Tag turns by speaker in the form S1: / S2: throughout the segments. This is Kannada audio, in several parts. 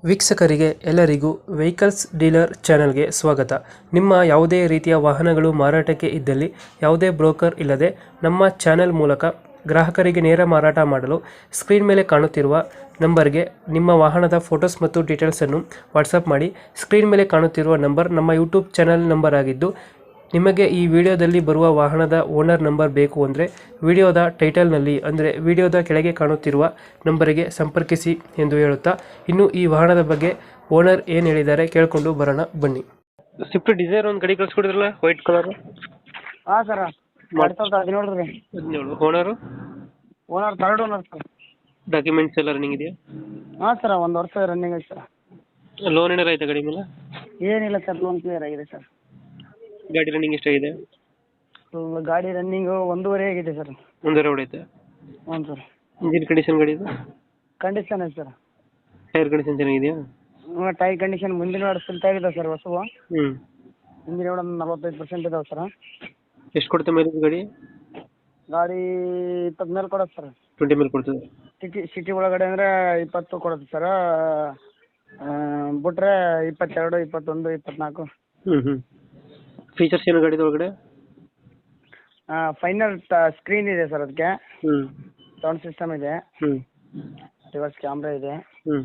S1: ವೀಕ್ಷಕರಿಗೆ ಎಲ್ಲರಿಗೂ ವೆಹಿಕಲ್ಸ್ ಡೀಲರ್ ಚಾನೆಲ್ಗೆ ಸ್ವಾಗತ. ನಿಮ್ಮ ಯಾವುದೇ ರೀತಿಯ ವಾಹನಗಳು ಮಾರಾಟಕ್ಕೆ ಇದ್ದಲ್ಲಿ ಯಾವುದೇ ಬ್ರೋಕರ್ ಇಲ್ಲದೆ ನಮ್ಮ ಚಾನೆಲ್ ಮೂಲಕ ಗ್ರಾಹಕರಿಗೆ ನೇರ ಮಾರಾಟ ಮಾಡಲು ಸ್ಕ್ರೀನ್ ಮೇಲೆ ಕಾಣುತ್ತಿರುವ ನಂಬರ್ಗೆ ನಿಮ್ಮ ವಾಹನದ ಫೋಟೋಸ್ ಮತ್ತು ಡೀಟೇಲ್ಸನ್ನು ವಾಟ್ಸಪ್ ಮಾಡಿ. ಸ್ಕ್ರೀನ್ ಮೇಲೆ ಕಾಣುತ್ತಿರುವ ನಂಬರ್ ನಮ್ಮ ಯೂಟ್ಯೂಬ್ ಚಾನೆಲ್ ನಂಬರ್ ಆಗಿದ್ದು, ನಿಮಗೆ ಈ ವಿಡಿಯೋದಲ್ಲಿ ಬರುವ ವಾಹನದ ಓನರ್ ನಂಬರ್ ಬೇಕು ಅಂದರೆ ವಿಡಿಯೋದ ಟೈಟಲ್ನಲ್ಲಿ ಅಂದರೆ ವಿಡಿಯೋದ ಕೆಳಗೆ ಕಾಣುತ್ತಿರುವ ನಂಬರಿಗೆ ಸಂಪರ್ಕಿಸಿ ಎಂದು ಹೇಳುತ್ತಾ, ಇನ್ನು ಈ ವಾಹನದ ಬಗ್ಗೆ ಓನರ್ ಏನು ಹೇಳಿದ್ದಾರೆ ಕೇಳಿಕೊಂಡು ಬರೋಣ ಬನ್ನಿ. ಸ್ವಿಫ್ಟ್ ಡಿಸೈರ್ ಒಂದು ಗಾಡಿ ಕಳಿಸ್ಕೊಡಿದ್ರಲ್ಲ, ವೈಟ್ ಕಲರ್.
S2: ಹಾಂ ಸರ್, 2017 ರೀ.
S1: Owner
S2: owner third owner sir.
S1: Documents ಎಲ್ಲ ರನ್ನಿಂಗ್ ಇದೆಯಾ?
S2: ಹಾಂ ಸರ್, 1 ವರ್ಷ ರನ್ನಿಂಗ್ ಐತೆ ಸರ್.
S1: ಲೋನ್ ಏನಾರ ಆಯ್ತಾ ಗಾಡಿ ಮೇಲೆ?
S2: ಏನಿಲ್ಲ ಸರ್, ಲೋನ್ ಕ್ಲಿಯರ್ ಆಗಿದೆ ಸರ್.
S1: ಗಾಡಿ ರನ್ನಿಂಗ್ ಎಷ್ಟಾಗಿದೆ?
S2: ಗಾಡಿ ರನ್ನಿಂಗು 1.5 ಆಗಿದೆ ಸರ್.
S1: ಒಂದೇ ರೋಡ್ ಐತೆ?
S2: ಹ್ಞೂ ಸರ್.
S1: ಇಂಜಿನ್ ಕಂಡೀಷನ್ ಗಾಡಿ ಇದು?
S2: ಕಂಡೀಷನ್ ಐತೆ ಸರ್.
S1: ಟೈರ್ ಕಂಡೀಷನ್ ಚೆನ್ನಾಗಿದೆಯಾ?
S2: ಹ್ಞೂ, ಟೈರ್ ಕಂಡೀಷನ್ ಮುಂದಿನ ವಾರ ಫಿಲ್ಟ್ ಆಗಿದೆ ಸರ್ ಹೊಸವು.
S1: ಹ್ಞೂ.
S2: ಹಿಂದಿನ ವಾರ 45% ಇದಾವೆ ಸರ್.
S1: ಎಷ್ಟು ಕೊಡುತ್ತೆ ಮೈಲೇಜ್ ಗಾಡಿ?
S2: ಗಾಡಿ 20 ಮೇಲೆ ಕೊಡುತ್ತೆ ಸರ್.
S1: 20 ಮೇಲೆ ಕೊಡ್ತದೆ.
S2: ಸಿಟಿ ಒಳಗಡೆ ಅಂದರೆ 20 ಕೊಡುತ್ತೆ ಸರ್. ಬಿಟ್ರೆ 22, 21, 24.
S1: ಹ್ಞೂ. ಫೀಚರ್ಸ್ ಏನು ಗಾಡಿದ ಒಳಗಡೆ?
S2: ಫೈನಲ್ ಸ್ಕ್ರೀನ್ ಇದೆ ಸರ್ ಅದಕ್ಕೆ.
S1: ಹ್ಞೂ.
S2: ಸೌಂಡ್ ಸಿಸ್ಟಮ್ ಇದೆ.
S1: ಹ್ಞೂ.
S2: ರಿವರ್ಸ್ ಕ್ಯಾಮ್ರಾ ಇದೆ.
S1: ಹ್ಞೂ.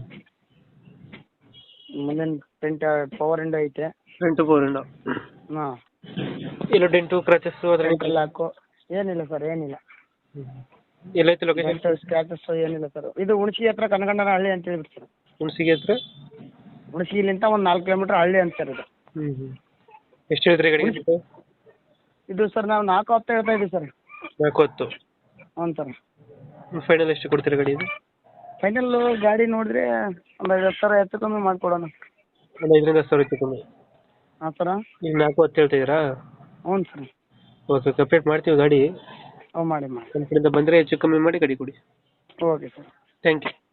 S2: ಮುಂದಿನ ಫ್ರಂಟ್ ಪವರ್ ವಿಂಡೋ ಐತೆ.
S1: Front power window.
S2: ಹಾಂ.
S1: ಇಲ್ಲ ಡೆಂಟು ಕ್ರಾಚಸ್ಸು ಅದರಲ್ಲಿ?
S2: ಲಾಕು ಏನಿಲ್ಲ ಸರ್, ಏನಿಲ್ಲ.
S1: ಎಲ್ಲೈತೆ ಲೊಕೇಶನ್?
S2: ಸ್ಕ್ರಾಚಸ್ ಏನಿಲ್ಲ ಸರ್. ಇದು ಹುಣಸಿ ಹತ್ರ ಕನಗಂಡನ ಹಳ್ಳಿ ಅಂತ ಹೇಳ್ಬಿಟ್ಟು ಸರ್.
S1: ಹುಣಸಿಗೆ ಹತ್ರ?
S2: ಹುಣಸಿಲಿಂದ ಒಂದು 4 ಕಿಲೋಮೀಟ್ರ್ ಹಳ್ಳಿ ಅಂತ ಸರ್ ಇದು.
S1: ಹ್ಞೂ. ಎಷ್ಟು ಹೇಳಿದ್ರಿ ಗಾಡಿ?
S2: ಇದು ಸರ್ ನಾವು 4.10 ಹೇಳ್ತಾ ಇದ್ದೀವಿ ಸರ್.
S1: 4.10?
S2: ಹ್ಞೂ ಸರ್.
S1: ಫೈನಲ್ ಎಷ್ಟು ಕೊಡ್ತೀರಾ ಗಾಡಿ ಇದು?
S2: ಫೈನಲ್ ಗಾಡಿ ನೋಡಿದ್ರೆ ಒಂದು 50,000 ಹೆಚ್ಚು ಕಮ್ಮಿ ಮಾಡಿಕೊಡೋಣ.
S1: ಒಂದು 5,000 ಹೆಚ್ಚು ಕಮ್ಮಿ?
S2: ಹಾಂ ಸರ.
S1: ಈಗ 4.10 ಹೇಳ್ತಿದ್ದೀರಾ?
S2: ಹ್ಞೂ ಸರ್.
S1: ಓಕೆ, ಕಂಪ್ಲೀಟ್ ಮಾಡ್ತೀವಿ ಗಾಡಿ.
S2: ಹ್ಞೂ, ಮಾಡಿ.
S1: ನಮ್ಮ ಕಡೆಯಿಂದ ಬಂದರೆ ಹೆಚ್ಚು ಕಮ್ಮಿ ಮಾಡಿ ಗಾಡಿ ಕೊಡಿ.
S2: Okay sir.
S1: Thank you.